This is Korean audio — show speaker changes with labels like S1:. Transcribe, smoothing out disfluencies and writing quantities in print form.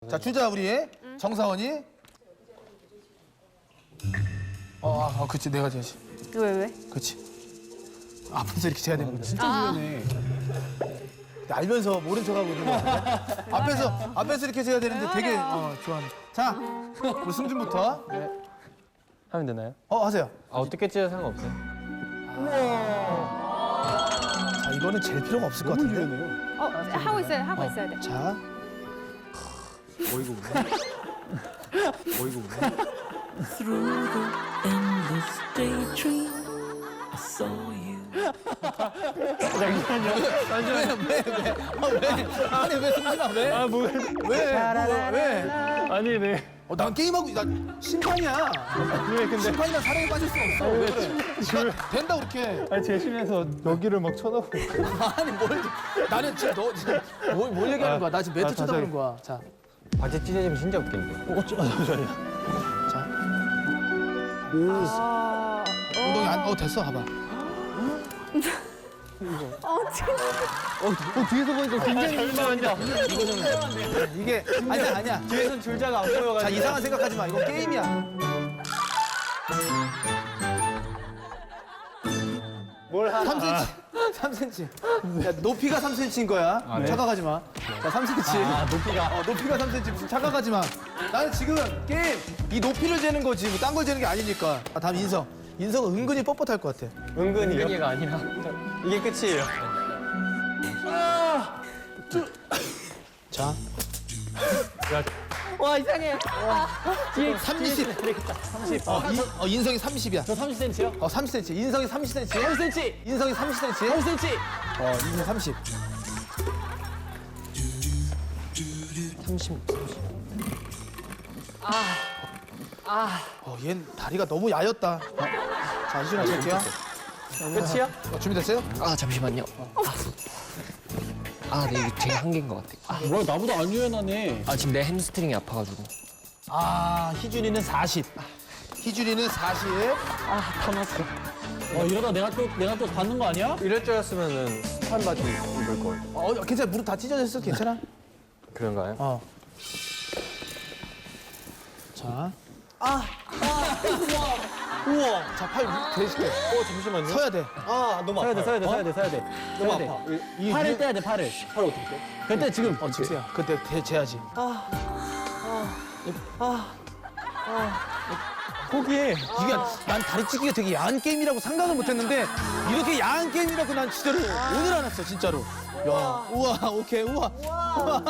S1: 자, 주자 우리 정사원이. 그치 내가 재야지.
S2: 왜?
S1: 그치. 앞에서 이렇게 재야 되는 거지.
S3: 진짜 유연해.
S1: 알면서 모른 척하고 있는 거 같아. 앞에서 이렇게 재야 되는데 되게 좋아하네. 자, 우리 승준부터.
S4: 하면 되나요?
S1: 하세요.
S4: 어떻게 찢어도 상관없어요.
S1: 자, 이거는 잴 필요가 없을 것
S3: 너무
S1: 같은데.
S3: 유연해요.
S2: 하고 있어야 돼.
S1: 자,
S4: 어이구 없네. 어이구 없네.
S5: Through the endless daydream, I saw you.
S1: 아니 왜 승준아 왜? 왜?
S4: 아니, 네.
S1: 난 게임하고 난 심판이야. 심판이랑 사랑에 빠질 수 없어. 왜 그래? 된다 그렇게.
S4: 아니, 제 심에서 여기를 막 쳐다보고.
S1: 아니 나는 지금 너 지금 뭘 얘기하는 거야? 나 지금 매트 쳐다보는 거야. 자,
S4: 바지 찢어지면 진짜 웃긴데.
S1: 자. 엉덩이 안 됐어 봐봐.
S4: 뒤에서 보니까 굉장히 민망한다.
S1: 이게 아니야.
S4: 뒤에선 줄자가 안 보여가지고.
S1: 자, 이상한 생각하지 마. 이건 게임이야.
S4: 뭘 하나.
S1: 3cm. 야, 높이가 3cm인 거야. 착각하지 마. 자, 3cm.
S4: 높이가.
S1: 높이가 3cm. 착각하지 마. 나는 지금 게임 이 높이를 재는 거지. 뭐 딴 걸 재는 게 아니니까. 다음 인성. 인성은 은근히 뻣뻣할 것 같아.
S4: 은근히가 아니라. 이게 끝이에요.
S1: 자,
S2: 와 이상해.
S1: 30. 30. 인성이 30이야.
S3: 저 30cm요?
S1: 30cm. 인성이 30cm.
S3: 30cm.
S1: 인성이 30cm.
S3: 30cm.
S1: 인성 30.
S4: 30.
S1: 얜 다리가 너무 야였다. 자, 이준아 찰게요.
S4: 끝이야?
S1: 준비됐어요?
S6: 잠시만요. 네, 이게 제 한계인 것 같아.
S3: 뭐야, 나보다 안 유연하네.
S6: 지금 내 햄스트링이 아파가지고.
S1: 희준이는 40. 희준이는 40.
S3: 타났어. 이러다 내가 또 받는 거 아니야?
S4: 이럴 줄 알았으면은 스판 바지 입을 걸.
S1: 괜찮아. 무릎 다 찢어졌어. 괜찮아?
S4: 그런가요?
S1: 자. 우와. 자, 팔 대실게.
S4: 잠시만요.
S1: 서야 돼.
S4: 너무 아파요.
S3: 서야 돼.
S4: 너무 아파.
S3: 팔을 떼야 돼, 팔을.
S4: 팔 어떻게 돼?
S3: 그때 지금.
S1: 직수야. 그때 재야지.
S4: 포기해.
S1: 이게 난 다리 찢기가 되게 야한 게임이라고 생각을 못했는데 이렇게 야한 게임이라고 난 진짜로 오늘 알았어 진짜로. 야, 우와, 오케이, 우와.